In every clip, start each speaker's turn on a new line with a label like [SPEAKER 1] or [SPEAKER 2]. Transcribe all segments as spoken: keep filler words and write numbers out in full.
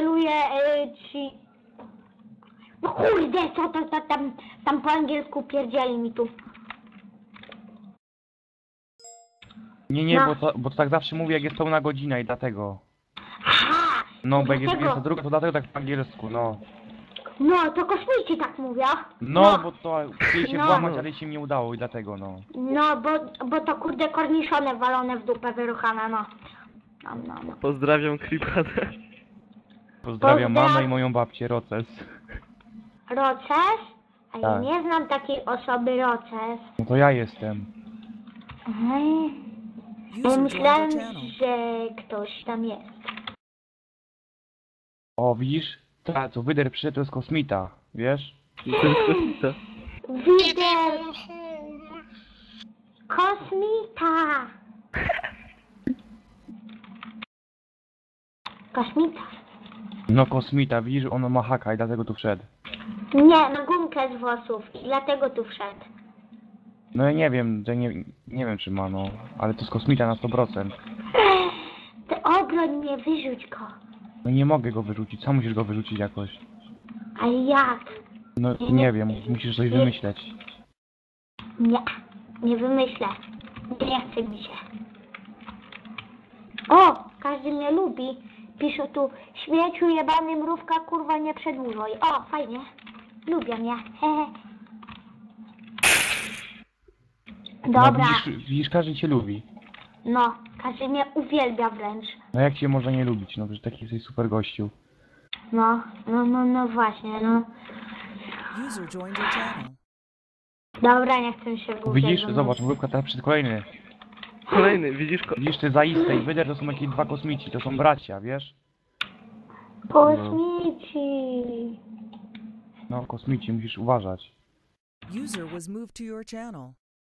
[SPEAKER 1] celuję y, ci... No kurde, co to, to tam, tam po angielsku pierdzieli mi tu.
[SPEAKER 2] Nie, nie,
[SPEAKER 1] No.
[SPEAKER 2] bo, to, bo to tak zawsze mówię, jak jest pełna godzina i dlatego.
[SPEAKER 1] Aha!
[SPEAKER 2] No, bo jak jest
[SPEAKER 1] dlatego.
[SPEAKER 2] dwudziesta druga, to dlatego tak po angielsku, no.
[SPEAKER 1] No, to kosmici tak mówią.
[SPEAKER 2] No, bo to chcieli się
[SPEAKER 1] No.
[SPEAKER 2] włamać, ale się nie udało i dlatego, no.
[SPEAKER 1] No, bo, bo to kurde korniszone walone w dupę wyruchane, no. No, no, no.
[SPEAKER 3] Pozdrawiam Creepadę.
[SPEAKER 2] Pozdrawiam
[SPEAKER 1] Pozdraw-
[SPEAKER 2] mamę i moją babcię, Roces.
[SPEAKER 1] Roces? A ja
[SPEAKER 2] Tak.
[SPEAKER 1] nie znam takiej osoby Roces.
[SPEAKER 2] No to ja jestem.
[SPEAKER 1] Mhm. Ja
[SPEAKER 4] User
[SPEAKER 1] myślałem,
[SPEAKER 4] joined your channel.
[SPEAKER 1] że ktoś tam jest.
[SPEAKER 2] O, widzisz? Ta, co wyder przyszedł, to jest kosmita, wiesz?
[SPEAKER 3] To jest kosmita.
[SPEAKER 1] Wider! Kosmita! Kosmita?
[SPEAKER 2] No kosmita, widzisz, ono ma haka i dlatego tu wszedł.
[SPEAKER 1] Nie, na gumkę z włosów i dlatego tu wszedł.
[SPEAKER 2] No ja nie wiem, że nie, nie wiem czy ma, no. Ale to jest kosmita na sto procent.
[SPEAKER 1] Ty obroń mnie, wyrzuć go.
[SPEAKER 2] No nie mogę go wyrzucić, sam musisz go wyrzucić jakoś.
[SPEAKER 1] Ale jak?
[SPEAKER 2] No nie wiem, musisz coś wymyśleć.
[SPEAKER 1] Nie, nie wymyślę. Nie chce mi się. O, każdy mnie lubi. Pisze tu, śmieciu jebany mrówka, kurwa nie przedłużaj. O, fajnie. Lubię mnie. Hehe.
[SPEAKER 2] No
[SPEAKER 1] Dobra,
[SPEAKER 2] widzisz, widzisz, każdy cię lubi.
[SPEAKER 1] no, każdy mnie uwielbia wręcz.
[SPEAKER 2] No jak cię można nie lubić, no przecież taki jesteś super gościu.
[SPEAKER 1] No, no, no, no właśnie, no.
[SPEAKER 4] User joined your channel.
[SPEAKER 1] Dobra, nie chcę się wgłębiać.
[SPEAKER 2] Widzisz, zobacz, mrówka teraz przed kolejny.
[SPEAKER 3] Kolejny, widzisz ko...
[SPEAKER 2] Widzisz, te zaiste i wyder to są jakieś dwa kosmici, to są bracia, wiesz?
[SPEAKER 1] Kosmici.
[SPEAKER 2] No kosmici, musisz uważać.
[SPEAKER 4] User was moved to your channel.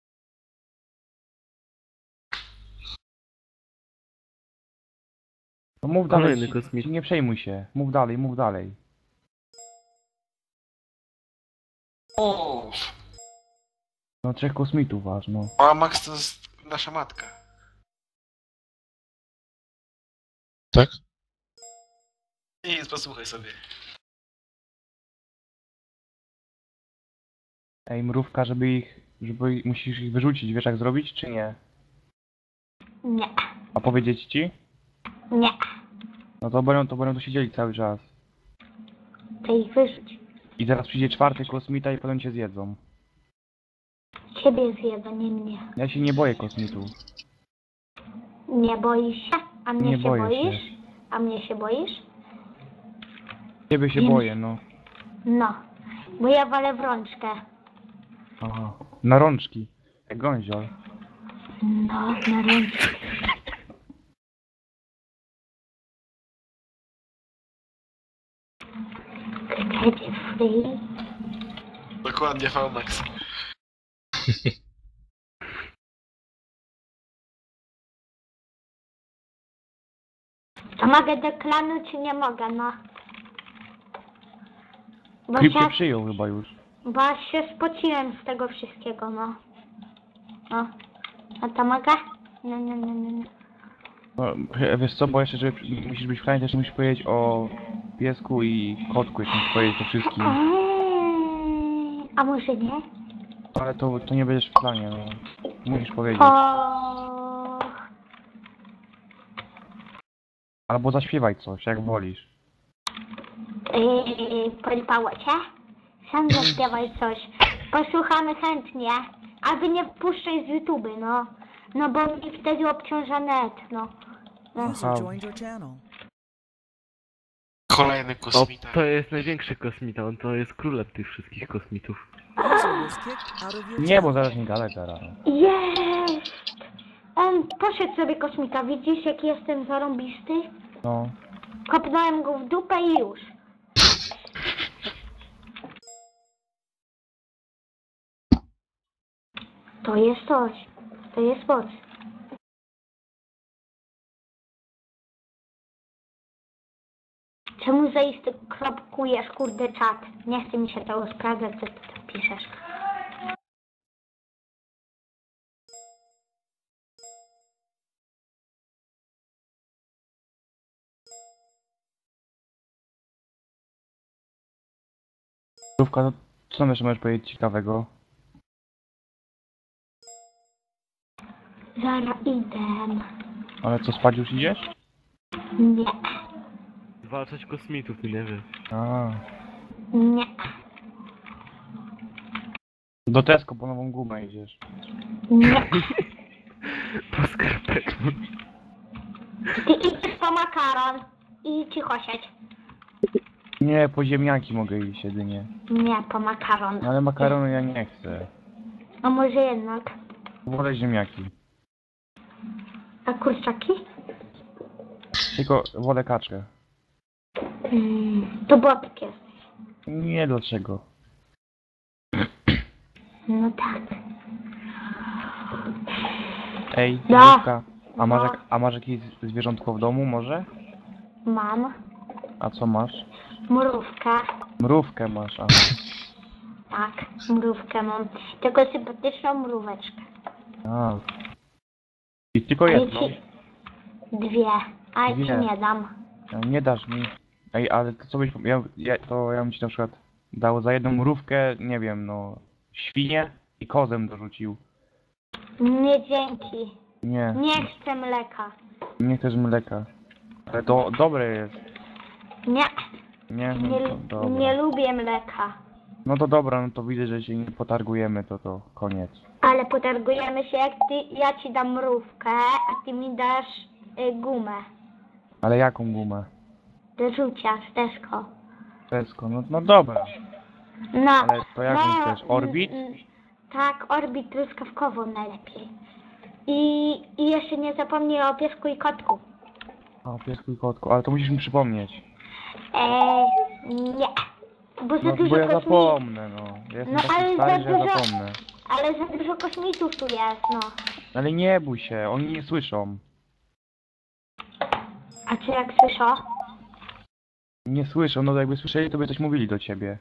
[SPEAKER 2] No mów dalej,
[SPEAKER 3] Kolejny
[SPEAKER 2] ci-
[SPEAKER 3] kosmit.
[SPEAKER 2] ci nie przejmuj się. Mów dalej, mów dalej.
[SPEAKER 5] O,
[SPEAKER 2] No trzech kosmitów waż, no.
[SPEAKER 5] a Max to jest nasza matka.
[SPEAKER 6] Tak?
[SPEAKER 5] Nic, posłuchaj sobie.
[SPEAKER 2] Ej, mrówka, żeby ich, żeby ich, musisz ich wyrzucić, wiesz jak zrobić, czy nie?
[SPEAKER 1] Nie,
[SPEAKER 2] A powiedzieć ci?
[SPEAKER 1] nie.
[SPEAKER 2] No to będą, to będą tu siedzieli cały czas.
[SPEAKER 1] To ich wyrzuć.
[SPEAKER 2] I zaraz przyjdzie czwarty kosmita i potem cię zjedzą.
[SPEAKER 1] Ciebie zjedzą, nie mnie.
[SPEAKER 2] Ja się nie boję kosmitów.
[SPEAKER 1] Nie boisz się? A mnie
[SPEAKER 2] Nie
[SPEAKER 1] się
[SPEAKER 2] boję
[SPEAKER 1] boisz?
[SPEAKER 2] się.
[SPEAKER 1] A mnie się boisz?
[SPEAKER 2] Ciebie się
[SPEAKER 1] Nie.
[SPEAKER 2] boję, no.
[SPEAKER 1] No, bo ja walę w rączkę.
[SPEAKER 2] Aha. Na rączki. Jak gązior.
[SPEAKER 1] No, na rączkę. Chcecie free?
[SPEAKER 5] Dokładnie, V-Max.
[SPEAKER 1] To mogę do klanu, czy nie mogę, no? Bo
[SPEAKER 2] Klip cię
[SPEAKER 1] się,
[SPEAKER 2] przyjął chyba już.
[SPEAKER 1] bo aż się spociłem z tego wszystkiego, no. No. A to mogę? Nie, nie, nie, nie, nie.
[SPEAKER 2] No, wiesz co, bo jeszcze, żeby musisz być w planie, też musisz powiedzieć o piesku i kotku, jak musisz powiedzieć o wszystkim.
[SPEAKER 1] Eee, a może nie?
[SPEAKER 2] Ale to, to nie będziesz w planie, no. Musisz powiedzieć.
[SPEAKER 1] O...
[SPEAKER 2] Albo zaśpiewaj coś, jak wolisz.
[SPEAKER 1] Yy, Polipało cię? Sam zaśpiewaj coś. Posłuchamy chętnie. A wy nie wpuszczaj z YouTube, no. No bo mi wtedy obciąża net, no. No.
[SPEAKER 4] User joined your channel.
[SPEAKER 5] Kolejny
[SPEAKER 3] O,
[SPEAKER 5] kosmita.
[SPEAKER 3] to jest największy kosmita, on to jest królem tych wszystkich kosmitów.
[SPEAKER 4] User was kicked out of your
[SPEAKER 2] Nie, bo
[SPEAKER 4] channel.
[SPEAKER 2] zaraz nie gadaj teraz.
[SPEAKER 1] Jest! On poszedł sobie kosmita, widzisz jaki jestem zarąbisty?
[SPEAKER 2] No.
[SPEAKER 1] Kopnąłem go w dupę i już. To jest coś. To jest moc. Czemu zaiste kropkujesz, kurde, czat? Nie chce mi się tego sprawdzać, co ty tam piszesz.
[SPEAKER 2] Mrówka, to co tam jeszcze możesz powiedzieć ciekawego?
[SPEAKER 1] Zaraz idę.
[SPEAKER 2] Ale co, spać już idziesz?
[SPEAKER 1] Nie,
[SPEAKER 3] Zwalczać kosmitów, ty nie wiesz.
[SPEAKER 2] A,
[SPEAKER 1] nie,
[SPEAKER 2] do Tesco po nową gumę idziesz.
[SPEAKER 1] nie.
[SPEAKER 3] Po skarpetę.
[SPEAKER 1] Ty idziesz po makaron i cicho siedź.
[SPEAKER 2] Nie, po ziemniaki mogę iść jedynie.
[SPEAKER 1] Nie, po makaron.
[SPEAKER 2] No ale makaronu ja nie chcę.
[SPEAKER 1] A może jednak.
[SPEAKER 2] Wolę ziemniaki.
[SPEAKER 1] A kurczaki?
[SPEAKER 2] Tylko wolę kaczkę.
[SPEAKER 1] Mm, to bobek jesteś.
[SPEAKER 2] Nie, dlaczego?
[SPEAKER 1] No tak.
[SPEAKER 2] Ej,
[SPEAKER 1] Da.
[SPEAKER 2] mrówka, a masz,
[SPEAKER 1] No.
[SPEAKER 2] jak, a masz jakieś zwierzątko w domu może?
[SPEAKER 1] Mam
[SPEAKER 2] A co masz?
[SPEAKER 1] mrówkę.
[SPEAKER 2] Mrówkę masz, a.
[SPEAKER 1] Tak, mrówkę mam. Tylko sympatyczną mróweczkę.
[SPEAKER 2] a. I tylko
[SPEAKER 1] Ale
[SPEAKER 2] jedną.
[SPEAKER 1] ci... Dwie. A ja ci
[SPEAKER 2] Dwie.
[SPEAKER 1] nie dam.
[SPEAKER 2] A Nie dasz mi. Ej, ale to co byś... Ja, ja, to ja bym ci na przykład dał za jedną mrówkę, nie wiem, no... Świnię i kozę dorzucił.
[SPEAKER 1] Nie dzięki.
[SPEAKER 2] Nie,
[SPEAKER 1] Nie chcę mleka.
[SPEAKER 2] nie chcesz mleka. Ale to dobre jest.
[SPEAKER 1] Nie,
[SPEAKER 2] Nie, no
[SPEAKER 1] nie,
[SPEAKER 2] to
[SPEAKER 1] lu-
[SPEAKER 2] dobra.
[SPEAKER 1] nie lubię mleka.
[SPEAKER 2] No to dobra, no to widzę, że się nie potargujemy, to to koniec.
[SPEAKER 1] Ale potargujemy się, jak ty, ja ci dam mrówkę, a ty mi dasz y, gumę.
[SPEAKER 2] Ale jaką gumę?
[SPEAKER 1] Do rzucia z Tesco.
[SPEAKER 2] Tesco, no, no dobra.
[SPEAKER 1] No,
[SPEAKER 2] Ale to jaką
[SPEAKER 1] no,
[SPEAKER 2] chcesz? Orbit?
[SPEAKER 1] mm, mm, Tak, Orbit truskawkową najlepiej. I, I jeszcze nie zapomnij o piesku i kotku.
[SPEAKER 2] A, piesku i kotku, ale to musisz mi przypomnieć.
[SPEAKER 1] Eee, nie. Bo za
[SPEAKER 2] No
[SPEAKER 1] dużo
[SPEAKER 2] bo ja
[SPEAKER 1] kosmitów.
[SPEAKER 2] zapomnę, no. Ja jestem
[SPEAKER 1] No,
[SPEAKER 2] taki
[SPEAKER 1] ale
[SPEAKER 2] stary,
[SPEAKER 1] za
[SPEAKER 2] że ja
[SPEAKER 1] dużo-
[SPEAKER 2] zapomnę.
[SPEAKER 1] Ale za dużo kosmitów tu jest, no.
[SPEAKER 2] Ale nie bój się, oni nie słyszą.
[SPEAKER 1] A czy jak słyszą?
[SPEAKER 2] Nie słyszą, no jakby słyszeli, to by coś mówili do ciebie.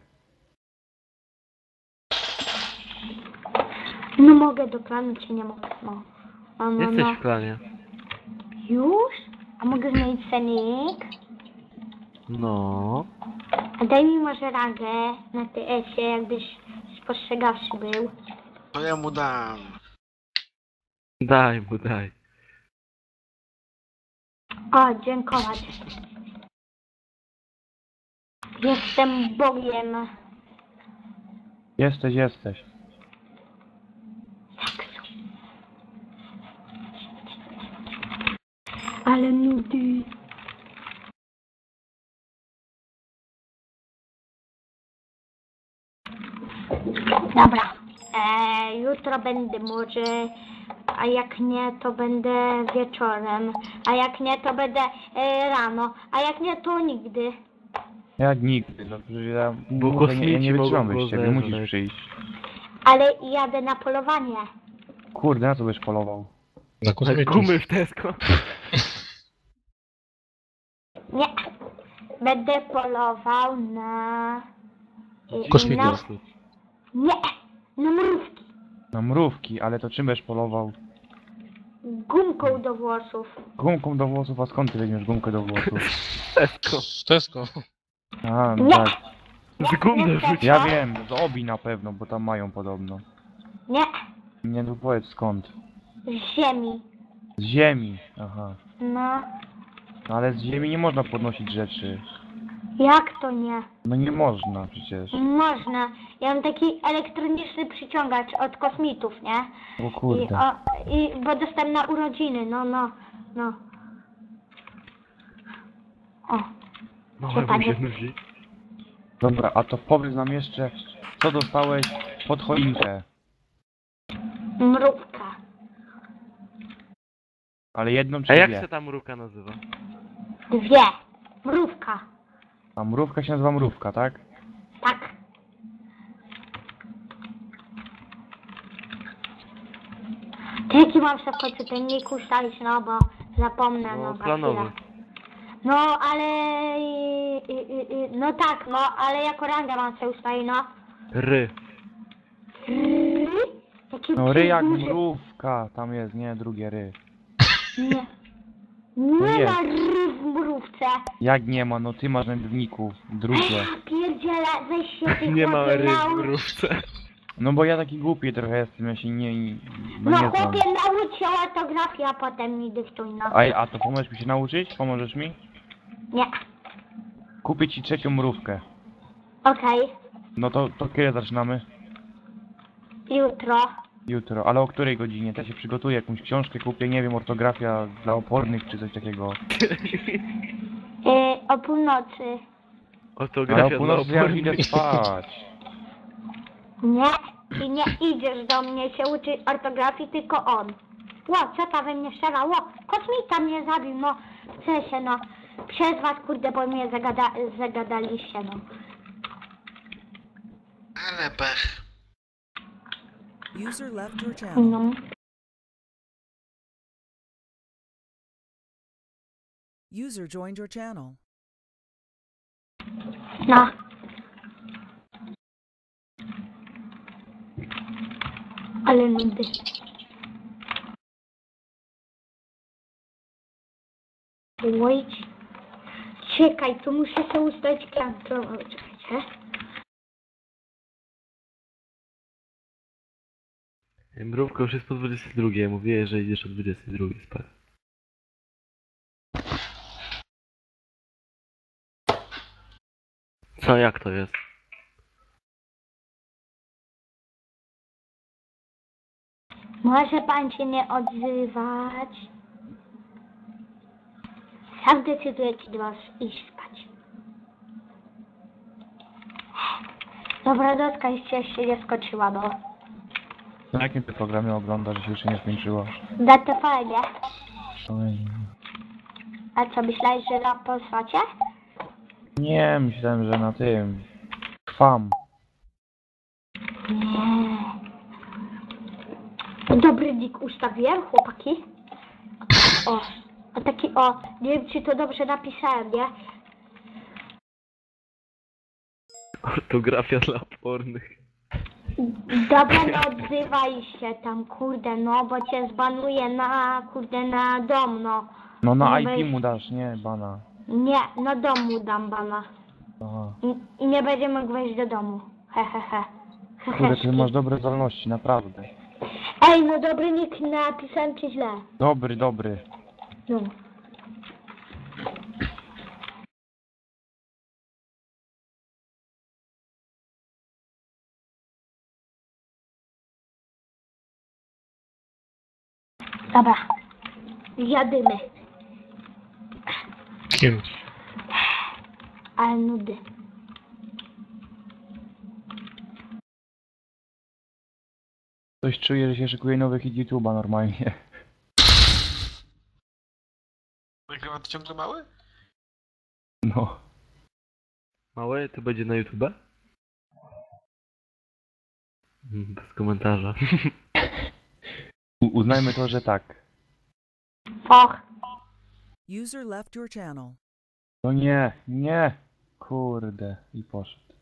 [SPEAKER 1] No mogę do planu, czy nie mogę, no. No, no,
[SPEAKER 3] Jesteś
[SPEAKER 1] no.
[SPEAKER 3] w planie.
[SPEAKER 1] Już? A mogę zmienić cenik?
[SPEAKER 3] No.
[SPEAKER 1] A daj mi może rangę na T S-ie, jakbyś spostrzegawszy był.
[SPEAKER 5] To ja mu dam.
[SPEAKER 3] Daj mu, daj.
[SPEAKER 1] O, dziękować. Jestem Bogiem.
[SPEAKER 2] Jesteś, jesteś.
[SPEAKER 1] Ale nudy. Dobra. E, jutro będę może, a jak nie, to będę wieczorem. A jak nie, to będę e, rano. A jak nie, to nigdy.
[SPEAKER 2] Jak nigdy, no przecież ja,
[SPEAKER 3] Bo
[SPEAKER 2] mówię, nie, ja
[SPEAKER 3] kosmici
[SPEAKER 2] nie wytrzymam
[SPEAKER 3] mogą
[SPEAKER 2] bez ciebie,
[SPEAKER 3] go
[SPEAKER 2] musisz
[SPEAKER 3] zeżreć.
[SPEAKER 2] przyjść.
[SPEAKER 1] Ale jadę na polowanie.
[SPEAKER 2] Kurde, na co byś polował?
[SPEAKER 6] Na
[SPEAKER 3] Tak
[SPEAKER 6] kosmitów.
[SPEAKER 3] gumy w Tesco.
[SPEAKER 1] Nie. Będę polował na... e,
[SPEAKER 6] Kosmitów.
[SPEAKER 1] Na, nie. Na mrówki.
[SPEAKER 2] Na mrówki, ale to czym będziesz polował?
[SPEAKER 1] Gumką do włosów.
[SPEAKER 2] Gumką do włosów, a skąd ty weźmiesz gumkę do włosów?
[SPEAKER 3] Tesco.
[SPEAKER 6] W Tesco.
[SPEAKER 2] A, no
[SPEAKER 1] Nie.
[SPEAKER 2] tak.
[SPEAKER 3] Z gum
[SPEAKER 1] Nie,
[SPEAKER 3] dorzuć.
[SPEAKER 2] Ja wiem, z Obi na pewno, bo tam mają podobno.
[SPEAKER 1] Nie.
[SPEAKER 2] Nie, no powiedz skąd.
[SPEAKER 1] Z ziemi.
[SPEAKER 2] Z ziemi, aha.
[SPEAKER 1] No.
[SPEAKER 2] No ale z ziemi nie można podnosić rzeczy.
[SPEAKER 1] Jak to nie?
[SPEAKER 2] No nie można przecież.
[SPEAKER 1] Można. Ja mam taki elektroniczny przyciągacz od kosmitów, nie?
[SPEAKER 2] O
[SPEAKER 1] I,
[SPEAKER 2] kurde.
[SPEAKER 1] o, i bo dostałem na urodziny, no, no, no. O,
[SPEAKER 3] Małemu się nudzi.
[SPEAKER 2] Dobra, a to powiedz nam jeszcze, co dostałeś pod choinkę.
[SPEAKER 1] mrówka.
[SPEAKER 2] Ale jedną czy
[SPEAKER 3] A jak
[SPEAKER 2] dwie?
[SPEAKER 3] się ta mrówka nazywa?
[SPEAKER 1] Dwie. Mrówka.
[SPEAKER 2] A mrówka się nazywa mrówka, tak?
[SPEAKER 1] Tak. To jaki mam sobie w końcu ten nick ustalić, no bo zapomnę, no,
[SPEAKER 3] No,
[SPEAKER 1] za
[SPEAKER 3] planowy.
[SPEAKER 1] chwilę. No, ale... i- i- i- i- No tak, no, ale jako rangę mam sobie ustalić, no.
[SPEAKER 3] Ry.
[SPEAKER 1] Ry? Jaki
[SPEAKER 2] No ry jak
[SPEAKER 1] duży-
[SPEAKER 2] mrówka, tam jest, nie, drugie ry.
[SPEAKER 1] Nie. Nie
[SPEAKER 2] jest.
[SPEAKER 1] ma ry w mrówce.
[SPEAKER 2] Jak nie ma, no ty masz na piwniku, drugie.
[SPEAKER 1] Pierdziele, weź się ty
[SPEAKER 3] Nie ma
[SPEAKER 1] chłopie,
[SPEAKER 3] ryb w
[SPEAKER 1] naucz.
[SPEAKER 3] mrówce.
[SPEAKER 2] No bo ja taki głupi trochę jestem, ja się nie... No,
[SPEAKER 1] No
[SPEAKER 2] nie znam.
[SPEAKER 1] chłopie, naucz się ortografii, a potem mi dyktuj, no.
[SPEAKER 2] A, a to pomożesz mi się nauczyć? Pomożesz mi?
[SPEAKER 1] Nie,
[SPEAKER 2] Kupię ci trzecią mrówkę.
[SPEAKER 1] okej,
[SPEAKER 2] No to, to kiedy zaczynamy?
[SPEAKER 1] jutro.
[SPEAKER 2] Jutro. Ale o której godzinie? To ja się przygotuję, jakąś książkę kupię, nie wiem, ortografia dla opornych czy coś takiego.
[SPEAKER 1] Yy, o północy.
[SPEAKER 2] Ale o
[SPEAKER 3] Ortografia dla
[SPEAKER 2] północy ja już idę
[SPEAKER 3] opornych.
[SPEAKER 2] spać.
[SPEAKER 1] Nie, ty nie idziesz do mnie się uczyć ortografii, tylko on. Ło, co ta we mnie strzela? Ło, kosmita mnie zabił, no. Chcę się, no. Przez was, kurde, bo mnie zagada zagadaliście, no.
[SPEAKER 5] Ale pech.
[SPEAKER 4] User left your channel.
[SPEAKER 1] No.
[SPEAKER 4] User joined your channel.
[SPEAKER 1] No. Ale nudy. Wait. Czekaj, tu muszę się ustawić kontrolę. Czekajcie.
[SPEAKER 3] Mrówka już jest po dwudziestej drugiej, mówię, że idziesz o dwudziestej drugiej spać. Co, jak to jest?
[SPEAKER 1] Może pan się nie odzywać. Sam decyduję, kiedy masz iść spać. Dobra, dotka jeszcze jeszcze nie skoczyła, no.
[SPEAKER 2] Na jakim ty programie oglądasz, że się jeszcze nie skończyło?
[SPEAKER 1] Da to fajnie.
[SPEAKER 2] Oj.
[SPEAKER 1] A co, myślałeś, że na posłacie?
[SPEAKER 2] Nie, myślałem, że na tym... Kwam.
[SPEAKER 1] Nie. Dobry nick ustawiłem, chłopaki. O, a taki o, nie wiem czy to dobrze napisałem, nie?
[SPEAKER 3] Ortografia dla opornych.
[SPEAKER 1] Dobra, no odzywaj się tam, kurde, no, bo cię zbanuję na, kurde, na dom, no.
[SPEAKER 2] No na
[SPEAKER 1] Nie
[SPEAKER 2] I P
[SPEAKER 1] weź-
[SPEAKER 2] mu dasz, nie, bana.
[SPEAKER 1] Nie, na domu dam bana.
[SPEAKER 2] Aha.
[SPEAKER 1] I, i nie będzie mógł wejść do domu. He, he, he. He,
[SPEAKER 2] Kurde,
[SPEAKER 1] heszki.
[SPEAKER 2] ty masz dobre zdolności, naprawdę.
[SPEAKER 1] Ej, no dobry nick napisałem czy źle?
[SPEAKER 2] Dobry, dobry.
[SPEAKER 1] No. Dobra. Jadymy.
[SPEAKER 6] Kim?
[SPEAKER 1] Ale nudy.
[SPEAKER 2] Coś czuję, że się szykuje nowy hit YouTube'a normalnie.
[SPEAKER 5] Nagrywa to ciągle mały?
[SPEAKER 2] No.
[SPEAKER 3] Małe, to będzie na YouTube? Mm, Bez komentarza.
[SPEAKER 2] U uznajmy to, że tak.
[SPEAKER 1] Och.
[SPEAKER 4] User left your channel.
[SPEAKER 2] No nie, nie. Kurde. I poszedł.